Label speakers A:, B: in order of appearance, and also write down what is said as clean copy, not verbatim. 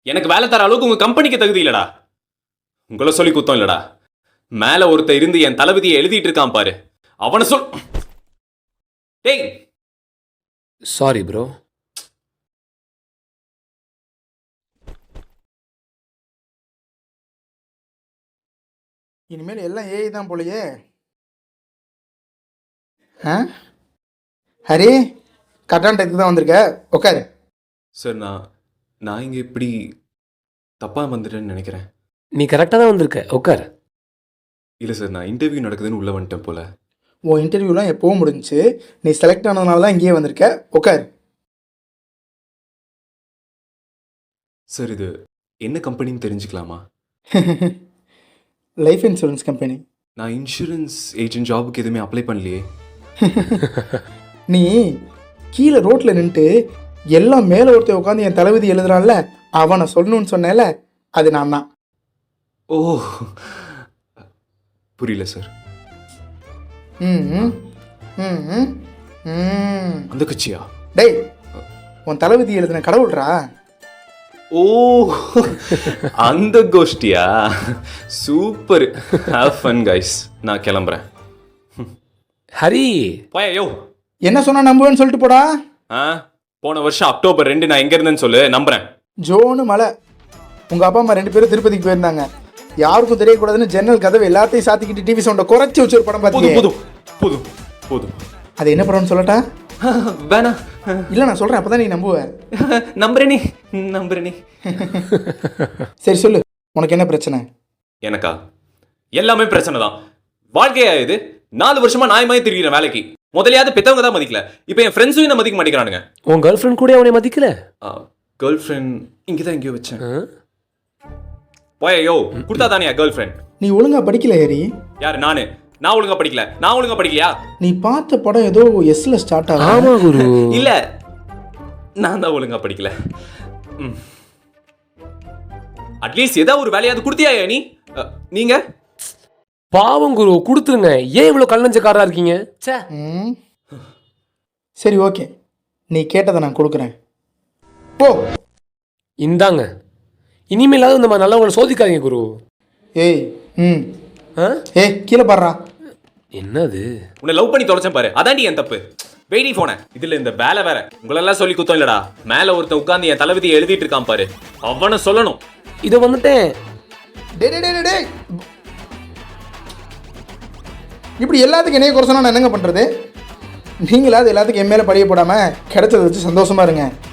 A: எனக்கு வேலை தர அளவுக்கு உங்க கம்பெனிக்கு தகுதி இல்லடா. உங்களை சொல்லி குத்தம் இல்லடா. மேல ஒருத்த இருந்து என் தளபதியை எழுதிட்டு இருக்கான் பாரு, அவனை சொல். டேய்
B: சாரி ப்ரோ.
C: இனிமேல் எல்லாம் ஏஐ தான் போலயே. ஹரி, கரெக்டான டைத்துக்கு தான் வந்திருக்க, உட்காரு.
A: சார் நான் இங்க இப்படி தப்பா வந்துட்டேன்னு நினைக்கிறேன்.
B: நீ கரெக்டாக தான் வந்திருக்க, உட்கார்.
A: இல்லை சார், நான் இன்டர்வியூ நடக்குதுன்னு உள்ள வந்துட்டேன் போல.
C: உன் இன்டர்வியூலாம் எப்போவும் முடிஞ்சுச்சு. நீ செலக்ட் ஆனதுனால தான் இங்கேயே வந்திருக்க, உட்காரு.
A: சார் இது என்ன கம்பெனின்னு தெரிஞ்சுக்கலாமா?
C: Life insurance company.
A: நான் இன்சூரன்ஸ் ஏஜென்ட் ஜாபுக்கு எதுவுமே அப்ளை பண்ணலையே.
C: நீ கீழே ரோட்டில் நின்றுட்டு எல்லாம் மேலே ஒருத்தர் உட்காந்து என் தளபதி எழுதுறான்ல, அவனை சொல்லணும்னு சொன்னேல, அது நான் தான்.
A: ஓ, புரியல சார்.
C: ம் ம்
A: அந்த கட்சியா?
C: டேய், உன் தளபதி எழுதின கடவுள்ரா.
A: ஓ, அந்த கோஷ்டியா? Super, have fun guys. நான் கிளம்புறேன்.
B: ஹரி,
A: போயோ.
C: என்ன சொன்னா நம்புவேன்னு சொல்லிட்டு போடா.
A: போன வருஷம் அக்டோபர் 2 நான் எங்க இருந்தேன்னு சொல்லு, நம்புறேன்.
C: ஜோனு மலை. உங்க அப்பா அம்மா 2 பேரும் திருப்பதிக்கு போயிருந்தாங்க. யாருக்கும் தெரியக்கூடாதுன்னு ஜன்னல் கதவு எல்லாத்தையும் சாத்திக்கிட்டு டிவி சவுண்டை குறைச்சி வச்சு ஒரு படம் பார்த்தீங்க.
A: போதும் போதும் போதும்.
C: அது என்ன படம்னு சொல்லட்டா?
A: வேணா.
C: இல்லை, நான் சொல்கிறேன், அப்போ தான் நீ நம்புவ.
A: நம்புறேனே.
C: சரி சொல்லு, உனக்கு என்ன பிரச்சனை?
A: எனக்கா? எல்லாமே பிரச்சனை தான். வாழ்க்கையா இது? 4 வருஷமா நாயமாயே திரிகிறேன் வேலைக்கு. முதலையாவது பெத்தவங்க தான் மதிக்கல, இப்போ என் ஃப்ரெண்ட்ஸும் என்ன மதிக்க மாட்டேங்கிறானுங்க.
B: உன் கேர்ள் ஃப்ரெண்ட் கூட அவனை மதிக்கல?
A: கேர்ள் ஃப்ரெண்ட் இங்கே தான் எங்கேயோ வச்சேன். போயோ, கொடுத்தா தானே கேர்ள் ஃப்ரெண்ட்.
C: நீ ஒழுங்கா படிக்கல ஹரி.
A: யாரு? நான் ஒழுங்கா படிக்கல. நான் ஒழுங்கா படிக்கலையா?
C: நீ பார்த்த படம் ஏதோ எஸ்ல ஸ்டார்ட் ஆகும்.
B: ஆமா குரு.
A: இல்ல, நான் தான் ஒழுங்கா படிக்கல. அட்லீஸ்ட் ஏதாவது ஒரு வேலையாவது கொடுத்தியா நீ? நீங்க
B: பாவம் குரு, கொடுத்துருங்க. ஏன் இவ்வளவு கல்லஞ்சக்காரா இருக்கீங்க?
C: சரி ஓகே, நீ கேட்டதை நான் கொடுக்குறேன், போ.
B: இந்தாங்க, இனிமேலாவது இந்த மாதிரி நல்லவங்களை சோதிக்காதீங்க குரு.
C: ஏய் ஏய், கீழே பாடுறா.
B: என்னது?
A: உன்னை லவ் பண்ணி தொலைச்சேன் பாரு, அதாண்டி என் தப்பு. வெயிடி போன இதுல இந்த வேலை வேற. உங்களெல்லாம் சொல்லி குத்தம் இல்லடா. மேல ஒருத்தன் உட்கார்ந்து என் தளபதியை எழுதிட்டு இருக்கான் பாரு, அவனை சொல்லணும்.
B: இதை வந்துட்டேன்.
C: டேய், இப்படி எல்லாத்துக்கும் என்னைய குறை சொன்னா நான் என்னங்க பண்றது? நீங்களாவது எல்லாத்துக்கும் என் மேல படிய போடாம கிடைச்சதை வச்சு சந்தோஷமா இருங்க.